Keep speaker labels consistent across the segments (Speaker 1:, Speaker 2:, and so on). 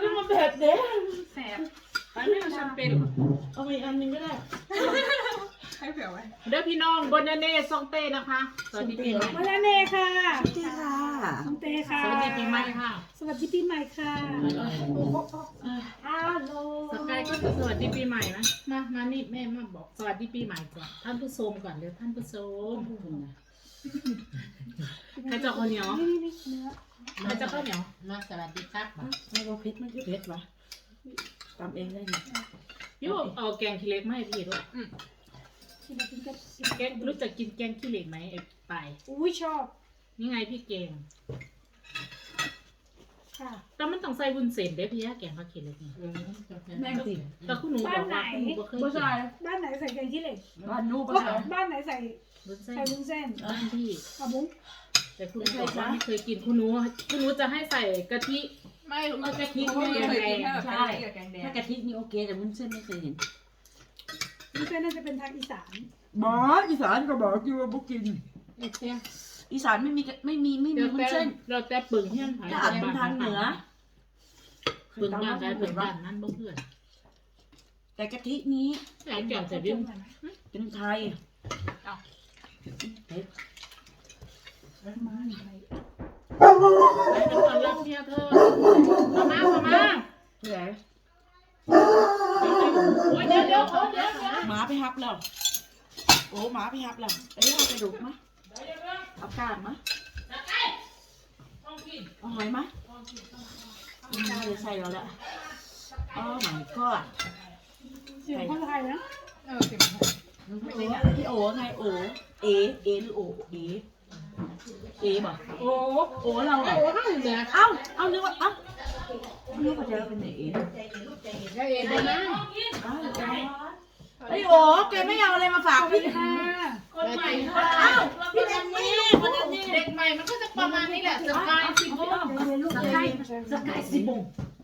Speaker 1: คือมันแบบเด้แสบ
Speaker 2: อันนี้มันแชมเปญ
Speaker 1: เอาไปอันนึงก็ได้
Speaker 2: ให้เผื่อไว้เด้อพี่น้องบนเน่ซองเต้นะคะสวัสดีปีใหม่
Speaker 3: มาแล้วเน่ค่ะ
Speaker 1: สวัสดีค่ะ
Speaker 3: น้องเต้ค่ะ
Speaker 2: สวัสดีปีใหม่ค่ะ
Speaker 3: สวัสดีปีใหม่ค่ะฮัลโหล
Speaker 2: สกายก็จะสวัสดีปีใหม่นะมานี่แม่มาบอกสวัสดีปีใหม่ก่อนท่านผู้ชมก่อนเดี๋ยวท่านผู้ชมใครจะข้าวเหนียว
Speaker 3: นี่เนื้อ
Speaker 2: ใครจะข้าวเหนียว
Speaker 4: มาสวัสดีครับ
Speaker 1: ไม่ว่าเพชรมันคือเพชรวะทำเองได้ไหม
Speaker 2: พี่บอกเอาแกงขี้เหล็กมาให้พี่ด้วย
Speaker 3: ที่เรากินกัน
Speaker 2: แกงรู้จักกินแกงขี้เหล็กไหมไอ้ไป
Speaker 3: อุ้ยชอบ
Speaker 2: นี่ไงพี่แกง
Speaker 3: ค่ะ
Speaker 2: แต่มันต้องใส่วุ้นเส้นเด้อพี่แกงผักขี้เหล็กนี่
Speaker 1: แม่งสิ
Speaker 2: แต่คุณหนูบอกว่าคุณหนูบ่เคย
Speaker 1: ผู้
Speaker 2: กิน
Speaker 1: ชาย
Speaker 3: บ้านไหนใส่แกงขี้เหล็ก
Speaker 1: บ้านนู้น
Speaker 3: ก็
Speaker 1: ผู้ชาย
Speaker 3: บ้านไหนใส่
Speaker 2: วุ้นเส้น
Speaker 3: ใส่วุ้นเส้น
Speaker 2: บ้านพี่
Speaker 3: กระบุ้ง
Speaker 2: แต่คุณหนูบอกว่าไม่เคยกินคุณหนูจะให้ใส่กะทิ
Speaker 4: ไม่
Speaker 1: เอากะทิ
Speaker 4: ไม่
Speaker 1: ไม่
Speaker 4: เคย
Speaker 1: เคย
Speaker 4: กิน
Speaker 1: ใช่ถ้ากะทินี่โอเคแต่วุ้นเส้นไม่เคยเห็น
Speaker 3: วุ้นเส้นน่าจะเป็นทางอีสาน
Speaker 1: บอกอีสานก็บอกอยู่ว่าบุกิน
Speaker 2: เอ๊ะเตี้ย
Speaker 1: อีสานไม่มีวุ้นเส้น
Speaker 2: เราแต่ปึงเฮี้ยนหาย
Speaker 1: ถ้าอาจเป็นทางเหนือ
Speaker 2: ปึงบ้านใดปึงบ้านนั้นบ่เพื่อน
Speaker 1: แต่กะทินี้
Speaker 2: แต่แก่แต่เรื่อง
Speaker 1: เป็นไทย
Speaker 3: มาไหน
Speaker 2: ไปเป็นคนรับเมียเธอมา
Speaker 1: ที่ไหน
Speaker 2: โอ้ยเดี๋ยว
Speaker 1: หมาไปฮับแล้วโอ้หมาไปฮับแล้วไอ้เอากระดูกมะเอากาดมะเอาหอยมะน่าจะใส่แล้วแหละอ๋อหมายก็
Speaker 3: เสียงคนไทยนะ
Speaker 1: พี่โอไงโอเอหรือโอเอบอก
Speaker 2: โอ้
Speaker 1: โอเราเหรอ
Speaker 2: โอ้ข้างเหนือ
Speaker 1: เอานึกว่านึกว่าจะเป็นไหนเอ
Speaker 2: ได้เองได้ไหม
Speaker 1: ไอโอแกไม่เอาอะไรมาฝากพี่
Speaker 3: ค่ะ
Speaker 2: คนใหม่
Speaker 1: อ้าวพี่แดนนี่คนนั้นนี่
Speaker 2: เด็กใหม่มันก็จะประมาณนี้แหละสกายสิบโมง
Speaker 1: สกายสีบง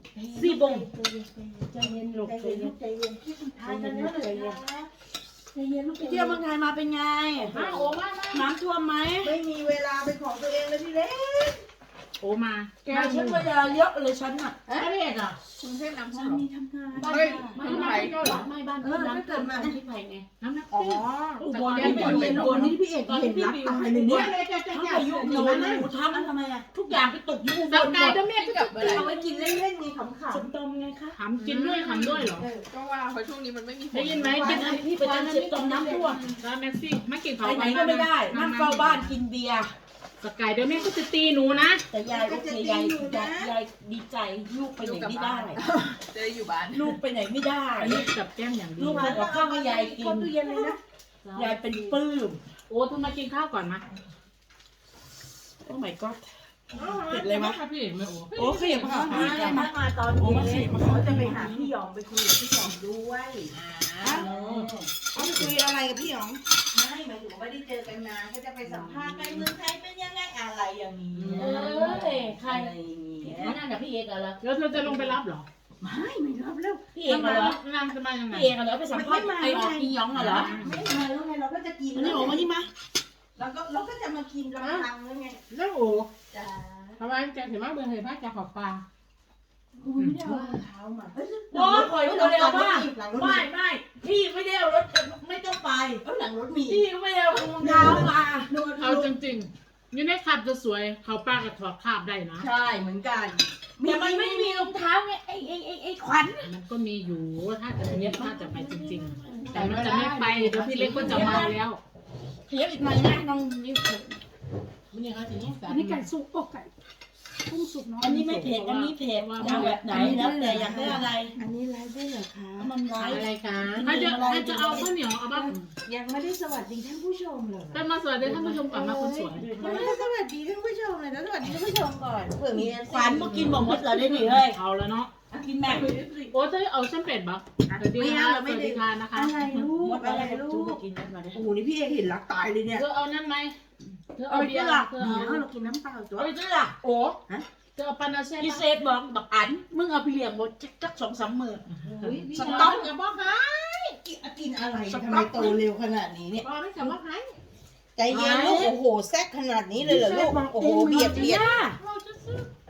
Speaker 1: ใจเย็นลูกใจเย็นใจเย็นทานกันเยอะเลยใจเย็นลูกเที่ยวเมืองไทยมาเป็นไง
Speaker 2: มาโอ้มา
Speaker 1: น้ำท่วมไหม
Speaker 5: ไม่มีเวลาเป็นของตัวเองเลยพี่เล็ก
Speaker 2: โอ้มา
Speaker 1: แกฉันเวลาเยอะเลยฉันอ่ะ
Speaker 2: ไม่เด็กอ่ะ
Speaker 4: กรุงเทพน้ำท่
Speaker 1: ฉั
Speaker 4: วน ม
Speaker 1: มีทำงาน
Speaker 2: เฮ้ย
Speaker 1: ไม่บ้านน้ำท่วมที่ไผ่ไง
Speaker 2: น้ำหนัก
Speaker 5: อ๋อ
Speaker 1: อุบลนี่เป็นอุบลนี่พี่เอกเห็นรักตายเลยเนี่ย ทั้งพายุหนูทำทำไมอ่ะทุกอย่างไปตกอยู่อุบ
Speaker 2: ส
Speaker 1: ลหม
Speaker 2: กาย
Speaker 1: ด
Speaker 2: เดี๋ยวแม่ก็จะ
Speaker 5: เอาไว้กินเล่นๆไงขำ
Speaker 1: สมตมไงคะ
Speaker 2: ทำกินด้วยเหรอ
Speaker 4: ก็ว่าเพราะช่วงนี้มันไม่มีฝน
Speaker 2: ได้ยินไหม
Speaker 1: ไป
Speaker 2: กิน
Speaker 1: นะพี่ไปตามเจ็บตมน้ำท่วม
Speaker 2: แล้วแม็กซี่ไม่กินเขา
Speaker 1: ไปไหนก็ไม่ได้นั่งเฝ้าบ้านกินเบียร์
Speaker 2: สกายเดี๋ยวแม่ก็จะตีหนูนะ
Speaker 1: แต่ยายโอเคยายดีใจลูกไปไหนไม่ได้
Speaker 4: จะได้อยู่บ้าน
Speaker 1: ลูกไปไหนไม่ได้
Speaker 2: อันนี้กับแก้มอย่างดี
Speaker 1: ลูกทำกับข้าวให้ยายกิน
Speaker 5: ตู้เย็นเลยนะ
Speaker 1: ยายเป็นปลื้ม
Speaker 2: โอ้ทุกมากินข้าวก่อนมา
Speaker 1: โอ้ my god เผ็ดเลยวะ
Speaker 2: พี่เอกไม่โอ้
Speaker 1: โอ้ขยับมาข้างนี้กัน
Speaker 5: ถ้ามาตอนเย็นเขาจะไปหาพี่หยองไปคุยกับพี่หยองด้วยเขาไปคุยอะไรกับพี่หยองไม่หมายถึงว่าไม่ได้เจอกันนานก็จะไปสัมภาษณ์การเมืองไทยเป็นยังไงอะไรอย่างนี้
Speaker 1: ใคร
Speaker 5: อะไรอย่างนี้
Speaker 1: นั่นกับพี่เอกเหรอ
Speaker 2: แล้วเธอจะลงไปรับเหรอ
Speaker 5: ไม่รับแล้ว
Speaker 1: พี่เอกเหรอ
Speaker 2: นางจะมายังไง
Speaker 1: พี่เอกเหรอไปสัมภาษณ์ไอ้ออกอีหยองเหรอ
Speaker 5: ไม่มาแล้วไงเราก็จะกิน
Speaker 1: อันนี้ออกมานี่มา
Speaker 5: เราก็จะมากินลำพังแล้วไง
Speaker 2: แล้วโอ้
Speaker 5: จ้า
Speaker 2: ทำไมแกถึงมาเบื่อเหตุว่าแกขอบปลา
Speaker 1: อุ้ยไม่ได้เอา
Speaker 5: เท้ามา
Speaker 1: โอ้ยปล่อยไว้เร็วๆบ้าง
Speaker 5: หลังรถ
Speaker 1: ไม่พี่ไม่ได้เอารถไม่ต้องไป
Speaker 5: หลังรถมี
Speaker 1: พี่ไม่ได้เอารองเท้ามา
Speaker 2: เอาจริงๆอยู่ในขับจะสวยเขาป้ากับถอดคาบได้นะ
Speaker 5: ใช่เหมือนกัน
Speaker 1: แต่มันไม่มีรองเท้าไงไอ้ขวัญ
Speaker 2: มันก็มีอยู่ถ้าจะเนี้ยถ้าจะไปจริงๆ แต่มันจะไม่ไปเดี๋ยวพี่เล็กก็จะมาแล้ว
Speaker 1: เขียบอีกหน่อยนะน้องนี่
Speaker 2: มันยังไงถึงนี้
Speaker 3: อันนี้ไก่สุกอกไก่กุ้งสุกเนาะ
Speaker 1: อันนี้ไม่เผ็ดอันนี้เผ็ดเอาแบบไหนแล้วแต่อยากได้อะไร
Speaker 5: อันนี้ไลฟ์ได้เหรอคะ
Speaker 1: มันไว้
Speaker 2: อะไรกันถ้าจะเอาข้าวเหนียวเอาบ้าง
Speaker 5: ยังไม่ได้สวัสดีท่านผู้ชมเลย
Speaker 2: ไปมาสวัสดีท่านผู้ชมก่อนมาคนสวย
Speaker 5: ยังไม่ได้สวัสดีท่านผู้ชมเลยนะสวัสดีท่านผู้ชมก่อนเผื่อมี
Speaker 1: ขวัญมากินบอกมดเหรอได้หนิเฮ้ย
Speaker 2: เอาแล้วเนาะ
Speaker 1: กินแม่
Speaker 2: โอ้เธอเอาแชมเปญบ้างสวัสดีค่ะสวัสดีค่ะนะคะ
Speaker 5: อะไรลู
Speaker 1: ม
Speaker 5: ก
Speaker 1: ด
Speaker 5: อะไร
Speaker 1: ลู
Speaker 5: ลู
Speaker 1: ก
Speaker 5: ก
Speaker 1: กินมดมาได้
Speaker 5: โอ้โหนี่พี่เอกเห็นรักตายเลยเนี่ย
Speaker 2: เธอเอานั่นไหมเธอ
Speaker 1: เอา
Speaker 2: เอา
Speaker 1: ไป
Speaker 2: เบีย
Speaker 1: จ้ะ
Speaker 2: ร์
Speaker 1: ล่ะ
Speaker 2: เธอ
Speaker 5: เดี๋
Speaker 2: เอา
Speaker 5: ยวเรากินน้ำเปล่าตัว
Speaker 1: เอาไปจ้ะล่ะโอ้
Speaker 2: เธอเอาปานาเซ่
Speaker 1: พี่เซฟบอกบักอันมึงเอาไปเลี้ยงหมดจัก2-3 มื้อ
Speaker 5: พี่
Speaker 1: ส
Speaker 5: น้
Speaker 1: ต๊
Speaker 5: อ
Speaker 1: อง ก
Speaker 2: อย่าบอกนะ
Speaker 5: กินอะไรทำไมโตเร็วขนาดนี้เนี่ย
Speaker 2: บอกไม่จะบอกใคร
Speaker 5: ใจเย็นลูกโอ้โหแซกขนาดนี้เลยเหรอลูกโอ้โหเบียด
Speaker 2: เราจะซื้อ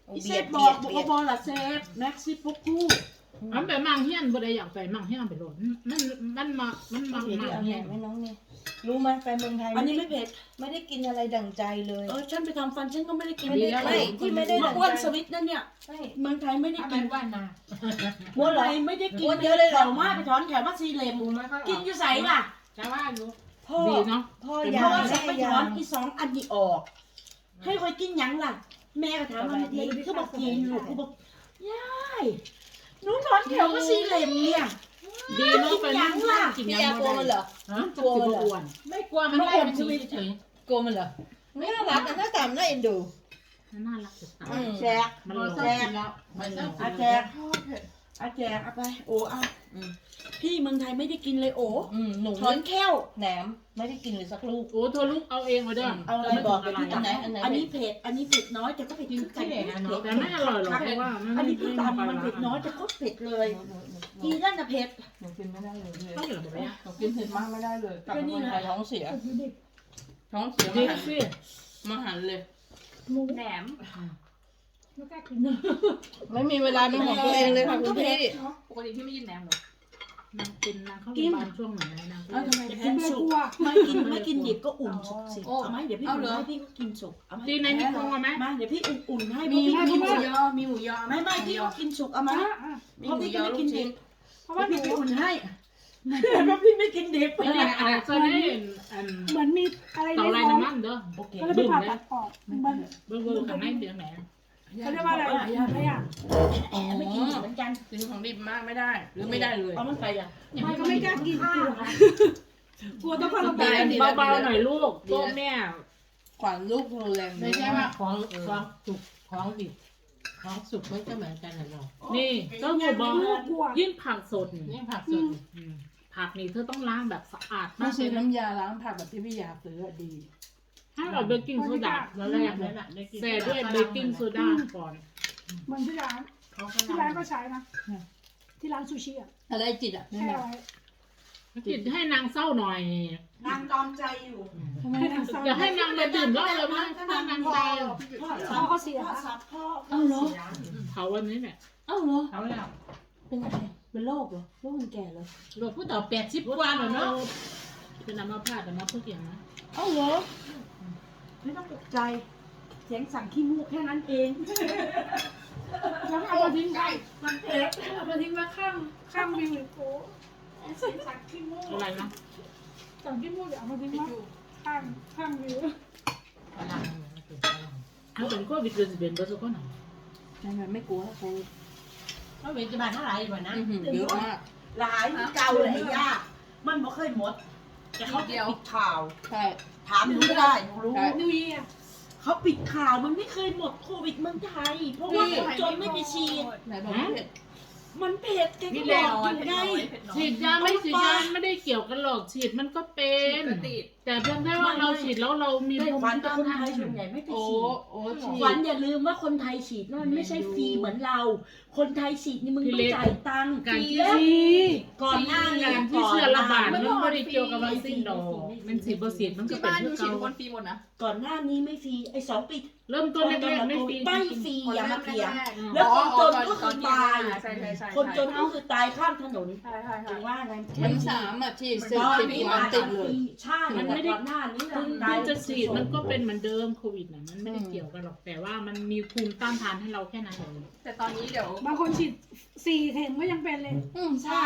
Speaker 1: พี่เซฟบอกบอละเซฟแม็กซี่ปุ๊กคู่
Speaker 2: อันไปมังเฮียนบ่ได้อยากไปมังเฮียนไปโหลดมันมังเฮียน
Speaker 5: ไม่น้องเนี่ยรู้ไหมไปเมืองไทย
Speaker 1: อันนี้ไม่เผ็ด
Speaker 5: ไม่ได้กินอะไรดั่งใจเลย
Speaker 1: ฉันไปทำฟันฉันก็ไม่ได้กิน
Speaker 5: ไม่ได้ไม่ที่ไม่ได้ดั่ง
Speaker 1: อ้วน
Speaker 5: ใจ
Speaker 1: สวิตนั่นเนี่ย
Speaker 5: ใช่
Speaker 1: เมืองไทยไม่ได้กิน
Speaker 4: ว่านา
Speaker 1: เมืองไทยไม่ได้กิน
Speaker 5: อ้วนเยอะเลยเหรอ
Speaker 1: แถวมาไปถอนแถวมาซีเลมกินอยู่ใสล่ะ
Speaker 4: จะว่าอยู่
Speaker 5: พ่อ
Speaker 2: ดีเนาะ
Speaker 5: พ่อ
Speaker 1: เพ
Speaker 5: ยา
Speaker 1: ราะว่าฉั
Speaker 5: แม่
Speaker 1: นไปถ
Speaker 5: ยา
Speaker 1: อนอี2 อันนี้ออก ให้คอยกินหยังล่ะ แม่ก็ถามว่าดีคือบอกกินลูกคือบอกยายหนูถอนแถวมาซีเลมเนี่ย
Speaker 2: ดีเนาะไปนั่งกิน
Speaker 5: พี่
Speaker 2: ยัง
Speaker 5: ยากลัวมันเหรอ
Speaker 2: ฮะกลัวมันอ้วน
Speaker 4: ไม่กลัวมันไล่มันชีเฉย
Speaker 5: กลัวมันเหรอไม่น่ารักนะหน้าตามันน่าเอ็นดู
Speaker 2: น่ารักจะตาย
Speaker 1: แจก
Speaker 2: มัน
Speaker 4: ๆ
Speaker 2: หล่อ
Speaker 1: แจก
Speaker 4: แล้วมันต้อง
Speaker 1: อาแจกอาแจกเอาไปโอ้เอาพี่เมืองไทยไม่ได้กินเลยโอ้
Speaker 5: หนู
Speaker 1: ถอนแค้ว
Speaker 5: แหนมไม่ได้กินเลยสักลูก
Speaker 2: โอ้เธอลูกเอาเองมาเด้อ
Speaker 1: เอาอะไรบอกกับพี่
Speaker 5: อันไหนอันไหน
Speaker 1: อันนี้เผ็ดอันนี้เผ็ดน้อยแต่ก็เผ็ดคือกันเผ็ด
Speaker 2: แต่ไม่อร่อยหรอกเพราะว่า
Speaker 1: อันนี้พี่ตามมันเผ็ดน้อยแต่ก็เผ็ดเลยทีนั่นน่ะเผ็ด
Speaker 5: หนูกินไม่ได้เลย
Speaker 2: ต้องเหลือแบบนี้
Speaker 5: หนูกินเผ็ดมากไม่ได้เลยกลับมาเมืองไทยท้องเสียท้องเสีย
Speaker 2: จริ
Speaker 5: มาง หัน
Speaker 2: สิ
Speaker 5: มาหันเลย
Speaker 4: แหนม
Speaker 3: ไม่กล้ากิน
Speaker 5: ไม่มีเวลาเป็นของตัวเองเลยค่ะคุณพี่
Speaker 4: ปกติพี่ไม่กินแหนมหรอก
Speaker 2: นางกินนางเข้าโรงพยาบาลช่วงไหนนาง
Speaker 1: เอาทำไม
Speaker 3: กิ
Speaker 1: แพ้
Speaker 3: นไม่
Speaker 1: สุก
Speaker 3: กลัว
Speaker 1: ไม่กินดิบก็อุ่นสุกสิเอาไหมเดี๋ยวพี่อุ่นให้พี่ก็กินสุกเอาไหม
Speaker 2: ดีในนิโครไหม
Speaker 1: มาเดี๋ยวพี่อุ่นให้
Speaker 4: มี
Speaker 1: พี่กินสุก
Speaker 4: มีหมูยอ
Speaker 1: ไม่พี่ก็กินสุกเอาไหม
Speaker 4: มี
Speaker 1: เพราะ
Speaker 4: หมู
Speaker 1: พี่
Speaker 4: ย
Speaker 1: ก็
Speaker 4: อ
Speaker 1: ไม่
Speaker 4: ลู
Speaker 1: กิ
Speaker 4: ก
Speaker 1: นดิ
Speaker 4: ชิ้น
Speaker 1: บเพราะว่าพี่อุ่นให้เพราะพี่ไม่กินดิบ
Speaker 2: ไม่ได้อาจจะได้อัน
Speaker 3: เหมือนมีอะไร
Speaker 2: เต่า
Speaker 3: ใน
Speaker 2: ไร
Speaker 3: ท้อง
Speaker 2: น้ำมันเด้อ
Speaker 1: โอเค
Speaker 3: ก็เลยไปผ่าตัดออกมัน
Speaker 2: เบอร์ข้างในเดือดแหน
Speaker 3: เขาเรียกว่าอะไรอะไรอ่ะ
Speaker 1: แอบไม่กินเหมือนกัน
Speaker 5: กินของดิบมากไม่ได้หรือไม่ได้เลย
Speaker 1: เอามันไปอ่ะ
Speaker 3: มันก็ไม่กล้ากินกลัวต้องพาเราไป
Speaker 2: เบาๆหน่อยลูกโต๊ะแม่
Speaker 5: ขวัญลูกโทรแรง
Speaker 4: ไม่ใช่ว่าของสุกของดิบของสุกมันก็เหมือนกันนะเนาะ
Speaker 2: นี่ต้องหัวบอล
Speaker 3: ลูกกลัว
Speaker 2: ยิ่งผักสด
Speaker 4: นี่ผักสด
Speaker 2: ผักนี่เธอต้องล้างแบบสะอาด
Speaker 5: ไม่
Speaker 2: มากเล
Speaker 5: ใช่
Speaker 2: ยนะ
Speaker 5: น้ำยาล้างผักแบบที่พี่ยาซื้อดี
Speaker 2: ให้เอาเบกกิ้งโซดาแล้วแรกเลยใส่ด้วยเบกกิ้งโซดาก่อน
Speaker 3: เหมือนที่ร้านที่ร้านก็ใช้นะที่ร้านซูชิอ่ะ
Speaker 5: อะไรจิตอ่ะนี่
Speaker 3: แค่
Speaker 5: แหละ
Speaker 3: ไว้
Speaker 2: จิตให้นางเศร้าหน่อย
Speaker 1: นางตอมใจอยู่
Speaker 5: ทำไม
Speaker 3: ให้ทางเศร้า
Speaker 2: อย่าให้นางมาดื่มเหล้าเลยมั้งถ้านางใจ
Speaker 3: พ่อเขาเสีย
Speaker 1: พ่อสับพ่อ
Speaker 5: เอาเหรอ
Speaker 2: เผาวันนี้เนี่ย
Speaker 5: เอาเหรอ
Speaker 4: เขาแล้ว
Speaker 5: เป็นอะไรเป็นโรคเหรอโรคคนแก่เหรอ
Speaker 4: หลวงพูดต่อ80 กว่าแล้วเนาะ
Speaker 2: เป็นน้ำมะพร้าวแต่น้ำพวกอย่างนะ
Speaker 5: เอาเหรอ
Speaker 1: ไม่ต้องตกใจเสียงสั่งขี้มูกแค่นั้นเอง
Speaker 3: แล้วเอามาทิ้งไว้มันเผ็ดเอามาทิ้งไว้ข้างวิวโอ้สั่งขี้มูก
Speaker 2: อะไรนะ
Speaker 3: สั่งขี้มูกเดี๋ยวเอามาทิ้งไว้ข้างวิว
Speaker 4: พลัง
Speaker 2: เขาเป็นโควิดเลยสิเป็นเบอร์สุกคนไหน
Speaker 5: ไม่กลัวโควิด
Speaker 4: เขาเป็นจะบาดเท่าไหร่กว่านะ
Speaker 5: เยอะมาก
Speaker 1: หลายเก่าหลายยากมันบ่เคยหมด แต่เขาปิดข่าว
Speaker 5: ใช่
Speaker 1: ถามหนูก็ได้หนูรู้
Speaker 3: นิวเยียร์
Speaker 1: เขาปิดข่าวมันไม่เคยหมดโควิดเมืองไทย เพราะว่าคนจนไม่ไปฉีด
Speaker 5: ไหนบอกไม่เผ็ด
Speaker 1: มันเผ็ดแกก็บอกอยู่ไง
Speaker 2: ฉีดยาไม่ฉีดยาไม่ได้เกี่ยวกันหรอกฉีดมันก็เป็น แต่เพียงแค่ว่าเราฉีดแล้วเรามี
Speaker 1: ไม่
Speaker 2: ภูมิ
Speaker 1: ขวัญแต่
Speaker 2: ต้าน
Speaker 1: คน
Speaker 2: ทา
Speaker 1: ไท
Speaker 2: น
Speaker 1: ยส่วนใหญ่ไม่ไป
Speaker 5: โอ้
Speaker 1: ฉีด
Speaker 5: โอ้ฉี
Speaker 1: ขวัญอย่าลืมว่าคนไทยฉีดนั่นไม่ใช่ฟรีเหมือนเรา คนไทยฉีดนี่มึงต้องจ่ายตังค์
Speaker 2: การที่
Speaker 1: ก่อนหน้านี้
Speaker 2: การที่เชื้อระบาดมันไม่ได้เกี่ยวกับวัคซีนดอกมันฉีดบ่ฉีดมันก็
Speaker 4: ที่
Speaker 2: เป็น
Speaker 4: บ้าน
Speaker 2: เพื่
Speaker 4: ดู
Speaker 2: อ
Speaker 4: ฉีด
Speaker 2: เก่า
Speaker 4: คนฟรีหมดนะ
Speaker 1: ก่อนหน้านี้ไม่ฟรีไอ้2 ปี
Speaker 2: เริ่มต้นแรกๆไม่ฟรี
Speaker 1: ไม่ฟรีอย่ามาเถียง
Speaker 2: แล้
Speaker 1: แล้ว วคนจนก็คือตาย
Speaker 4: ใช่ใช่
Speaker 1: คนจนก็คือตายข้ามถนน
Speaker 4: ใช่ใช่
Speaker 1: ถึงว่าไง
Speaker 5: มัน3อ่ะฉีด
Speaker 1: ตอน
Speaker 5: 10
Speaker 1: นี้
Speaker 5: วันติดเลย
Speaker 1: ใช่มันไม่ได้ก่อนหน้านี้
Speaker 2: คุณ
Speaker 1: ตาย
Speaker 2: จะฉีดมันก็เป็นเหมือนเดิมโควิดน่ะมันไม่ได้เกี่ยวกันหรอกแต่ว่ามันมีภูมิต้านทานให้เราแค่นั้นเอง
Speaker 4: แต่ตอนนี้เดี๋ยว
Speaker 3: บางคนฉีด4 เข็มก็ยังเป็นเลย
Speaker 5: ใช่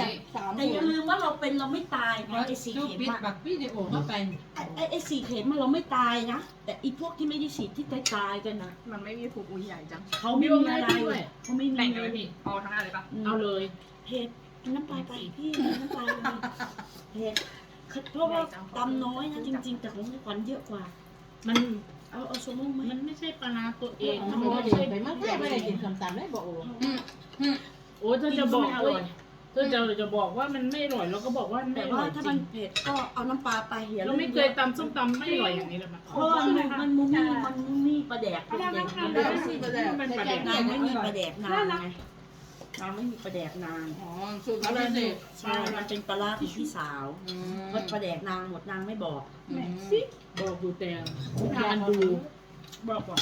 Speaker 5: 3
Speaker 1: แต่อย่าลืมว่าเราเป็นเราไม่ตายไงไอ้4
Speaker 4: ดู
Speaker 1: เข็ม
Speaker 4: ปิด
Speaker 1: อะ
Speaker 4: บักวิดีโอเข้าไป
Speaker 1: ไอ้4 เข็มมันเราไม่ตายนะแต่อีพวกที่ไม่ได้ฉีดที่ตายกันนะ
Speaker 4: มันไม่มีผูกอุ้ยใหญ่จัง
Speaker 1: เขาไม่มีอะไรเขาไม่มี
Speaker 4: แต่ง
Speaker 1: อะ
Speaker 4: เล
Speaker 1: ไร
Speaker 4: ยพี่เอาทั้งนั้นเลยปะ
Speaker 2: เอาเลย
Speaker 1: เผ็ดน้ำปลาไปพี่น้ำปลาไปเผ็ดเพราะว่าตำน้อยนะจริง ๆ แต่ของขวัญเยอะกว่า
Speaker 2: มัน
Speaker 1: เอาสมมติไหม
Speaker 2: มันไม่ใช่ปลาร้าตัวเอง
Speaker 4: มั
Speaker 2: มัน น
Speaker 4: ไม่
Speaker 2: ไม่
Speaker 4: ได้
Speaker 2: ใช่
Speaker 4: ไปมันแค่ไม่ได้กินคำตามได้บอกโอ้
Speaker 2: โอ้เธอจะบอกว่าเธอจะบอกว่ามันไม่อร่อยเราก็บอกว่าไม่
Speaker 1: แต่
Speaker 2: อร่
Speaker 1: ว่า
Speaker 2: อย
Speaker 1: ถ้า
Speaker 2: จริ
Speaker 1: มัน
Speaker 2: ง
Speaker 1: เผ็ดก็เอาน้ำปลาไปอย่า
Speaker 2: เรา
Speaker 1: ลื
Speaker 2: ไม่เคยตำส้มตำไม่อร่อยอย่างนี้เลยมั้ย
Speaker 1: เพราะว่ามันมุมีปลาแดกเป็นอย่าง
Speaker 2: มัน
Speaker 1: นี้
Speaker 2: มันประเด็น
Speaker 1: นางไม่มีปลาแดกนานไงนางไม่มีปลาแดกนาน
Speaker 5: อ๋อสูตรเขาเลยสิ
Speaker 1: ใช่มันเป็นปลาร้าของพี่สาวเพราะปลาแดกนางหมดนางไม่บอก
Speaker 3: แหม่สิ
Speaker 2: บอกดูแต่ทานดู
Speaker 1: บอกก่อน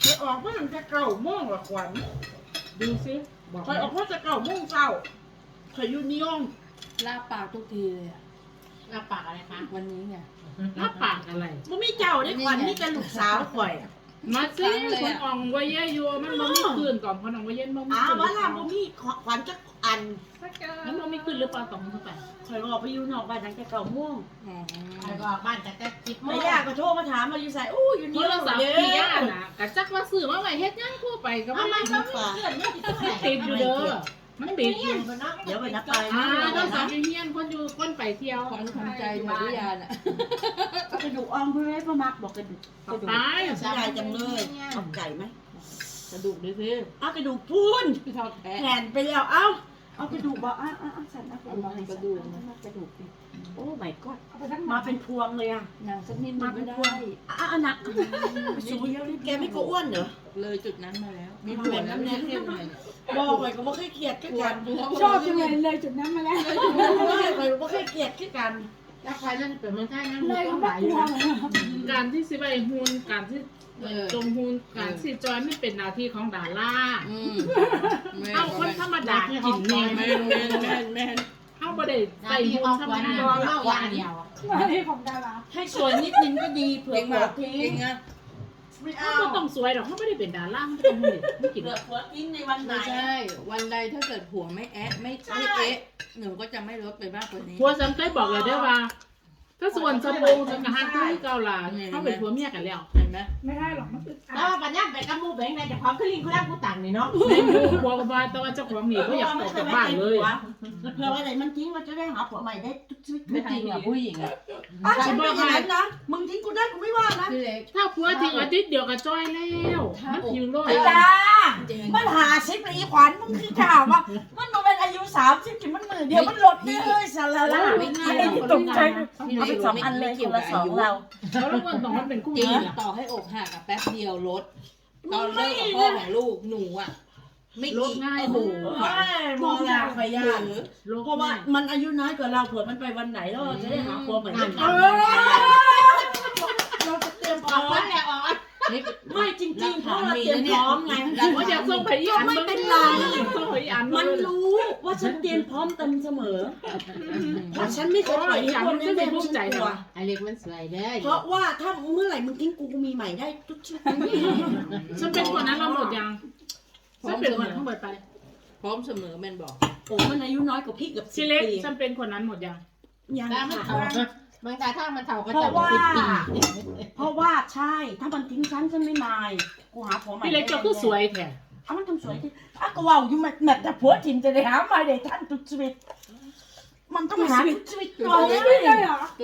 Speaker 1: ไปออกเมื่อจะเก่าโม่งละขวัญ
Speaker 2: ดูสิบอก
Speaker 1: คอยออกเมื่อจะเก่าโม่งเช้าคอยอยู่นิยม
Speaker 3: ลาปากทุกทีเลยอะ
Speaker 4: หน้าปากอะไรคะ
Speaker 3: วันนี้ไง
Speaker 2: รับปากอะไร
Speaker 1: มันมีเจ้าได้ขวัญมีแต่ลูกสาวข่อย
Speaker 2: มาสิคนอ่องไว้เยอะอยู่มันบ่มีคืนก่อนคนอ่องไว้เย็นบ่มี
Speaker 1: อ้า
Speaker 2: คื
Speaker 1: วน ว่าล่ะบ่มีขวัญจักอัน
Speaker 2: มันบ่มีคืนหรือเปล่าตองเข้าไป
Speaker 1: คอยออกไปอยู่นอกบ้านตั้งแต่เก่าโม่ง
Speaker 3: อ๋อ
Speaker 4: ใครก็ออกบ้านแต่จิบโม
Speaker 1: แม่
Speaker 4: ง
Speaker 1: ย่าก็โทรมาถามมาอยู่ใส่อู้อยู่
Speaker 2: โท
Speaker 1: นี่
Speaker 2: รศัพท์พี่ย่าน่ะกะจักว่าซื้อมาไว้เฮ็ดหยังทั่วไปก็
Speaker 1: เอา
Speaker 2: บ่
Speaker 1: มา
Speaker 2: มี
Speaker 1: ก็มีเพื่อนนี่ติด
Speaker 2: ติดอยู่เด้อมันติดอยู่
Speaker 1: เดี๋ยวไปนับไป
Speaker 2: อ่าโทรศัพท์อยู่เฮียนคนอยู่คนไปเที่ยว
Speaker 3: ขวัญทำใจหมดหรือยังอ่ะ
Speaker 1: กระดูกอ่อนเพื่อนพ่อมักบอกกระดูก
Speaker 2: ตาย
Speaker 1: เสียดายจังเลยเอาไก่ไหม
Speaker 3: กระดูกดูสิ
Speaker 1: เอากระดูกพูน
Speaker 3: พี่ทอดแท้
Speaker 1: แผ่นไปแล้วเอากระดูกบอกสันเอากระ
Speaker 3: เอา
Speaker 1: ดูก
Speaker 3: มา
Speaker 1: ให้
Speaker 3: ก
Speaker 1: ก
Speaker 3: ระ
Speaker 1: ระ
Speaker 3: ดู
Speaker 1: ดู
Speaker 3: ก
Speaker 1: ก
Speaker 3: นะกระดูกดิ
Speaker 1: โอ้ my god มาเป็นพวงเลยอ่ะ
Speaker 3: หนังสักนิดนึ
Speaker 1: มาง เป็
Speaker 3: ก็
Speaker 1: น
Speaker 3: ได้
Speaker 1: พวงหนักสูงแกไม่ก็อ้วนเหรอ
Speaker 3: เลยจุดนั้นมาแล้ว มีผัวแล้วไม่เข้มเลย
Speaker 1: บอกไปก็ไม่เคยเกลียดคือกัน
Speaker 3: ชอบจังเลยเลยจุดนั้นมาแล้ว
Speaker 1: บอกไปก็ไม่เคยเกลียดคือกัน
Speaker 4: แล้วใครนั่นเป็นเมืองไทยนั่น
Speaker 3: เลย
Speaker 4: ต้
Speaker 3: ก็
Speaker 4: องห
Speaker 3: ไม่
Speaker 4: ลาย
Speaker 3: ก
Speaker 4: อยู่
Speaker 3: ลัว
Speaker 4: นะ
Speaker 3: เลย
Speaker 2: การที่สิไปฮูนการที่จงฮูนการสิจอยไม่เป็นหน้าที่ของดารา เอาคนธรรมดากินเนี่ย
Speaker 3: แม่นแม่นแม่นแม่น
Speaker 2: เอาบ่ได้
Speaker 4: หน้า
Speaker 2: ใส่
Speaker 4: ที่
Speaker 2: ฮู
Speaker 4: อน อก
Speaker 2: ธรรม
Speaker 4: วัน
Speaker 2: ดา
Speaker 4: เดียวเล่าอย่างเดียว
Speaker 3: มาที่ของดารา
Speaker 1: ให้สวยนิดนึงก็ดีเผื่อ
Speaker 3: เก่ง
Speaker 1: ผัว
Speaker 3: มาก
Speaker 1: ทิ้
Speaker 3: เก่
Speaker 1: ง
Speaker 3: งอ่ะ
Speaker 1: ไม่
Speaker 2: เขา
Speaker 1: เอา
Speaker 2: ก็ต้องสวยหรอกเขาไม่ได้เป็นดาราเขาไม่ต้องหุ่นไม่กิน
Speaker 1: เผื่อผัวทิ้งในวันไหน
Speaker 3: ไม่ใช่ วันใดถ้าเกิดผัวไม่แอะไม่เอ๊ะหนูก็จะไม่ลดไปมากกว่านี้
Speaker 2: ผัวฉันเคยบอกเลยได้ว่า ถ้าส่วนสะโพกฉันกับฮันที่เกาหลาเขาเป็นผัวเมียกันแล้ว
Speaker 3: เห็นไหม
Speaker 5: ไม่ได้หรอกมันอึดอัด
Speaker 4: แล้วปัญญาไปกับมูแบงค์ในจากความขึ้นลิงเขาได้ผู้ต่างนี่เนาะ
Speaker 2: ในหมู่บอกว่าแต่ว่าเจ้าของหนีเขาอยากออกจากบ้านเลย
Speaker 1: เผื่อวันไหนมันทิ้งมันจะได้หาผัวใหม่ได้ทุกชีวิต
Speaker 3: ไม่จริงอ่ะผู้หญิงอ่ะ
Speaker 1: ฉันไม่อย่างนั้นนะมึงทิ้งกูได้กูไม่ว่านะ
Speaker 3: พี่เล็ก
Speaker 2: ถ้าผัวทิ้งอาทิตย์เดียวก็จ้อยแล้วมันทิ้งโลด
Speaker 1: ไอ้จ้ามันหาชิปเลยอีขวัญมึงคือข่าวว่ามันมาเป็นอายุ30ถึงมันมือเดียวมันลดได้เลยสารละตกใจเอาไป2 อันเลยคนละ2เรา
Speaker 2: แล้วแล้วคนต้องมันเป็นคู่
Speaker 3: จริง
Speaker 2: นี้ล่ะ
Speaker 3: ต่อให้อกหักอะแป๊บเดียวลด ตอนเลิกกับพ่อของลูกหนูอะไม่
Speaker 2: ลดง่าย
Speaker 3: โอ้โห
Speaker 1: มองลาขยะ
Speaker 2: ลด
Speaker 1: เพราะว่า
Speaker 2: ง่าย
Speaker 1: มันอายุน้อยกว่าเราเผื่อมันไปวันไหนแล้วเราจะได้หาผัวใหม่ได้ทันเราจะเตรียมพร้อม
Speaker 4: วันแหละออก
Speaker 1: ไม่จริงๆเพราะเราเตรียมพร้อมไง
Speaker 2: ว่าอยากส่งไปอีอัน
Speaker 1: ไม่เป็นไร
Speaker 2: ส่งไปอีอัน
Speaker 1: มันรู้ว่าฉันเตรียมพร้อมเต็มเสมอเพราะฉันไม่เคยปล่อยให้คนเล่นแม่ฉันกลัว
Speaker 4: ไอเล็กมันสวยเด้อ
Speaker 1: เพราะว่าถ้าเมื่อไหร่มึงทิ้งกูมีใหม่ได้ทุกชีวิต
Speaker 2: ฉันเป็นคนนั้นเราหมดยังฉันเป็นคนทั้งหมดไป
Speaker 3: พร้อมเสมอแมนบอก
Speaker 1: โอ้มันอายุน้อยกว่าพี่กับ
Speaker 2: ชิเล็ก
Speaker 1: 10 ปี
Speaker 2: ฉันเป็นคนนั้นหมดยัง
Speaker 1: ยัง
Speaker 4: ถ้ามัน
Speaker 1: ค่ะ
Speaker 4: เท่าบางทีถ้ามันเท่าก็
Speaker 1: เพ
Speaker 4: จะ
Speaker 1: ราะ
Speaker 4: บอก
Speaker 1: ว่า
Speaker 4: 10 ปี
Speaker 1: เพราะว่าใช่ ถ้ามันทิ้งฉันไม่มายกูหาผัวใหม่
Speaker 2: พี่เล็กเจ้าคือสวยแท้
Speaker 1: เอามันทำสวยที่อ่ะก็ว่าอยู่แบบแต่ผัวถิ่นจะได้หาใหม่ได้ทันทุกชีวิต มันต้องหาทุกชีวิตก่อน
Speaker 3: ไม่ได้เหรอ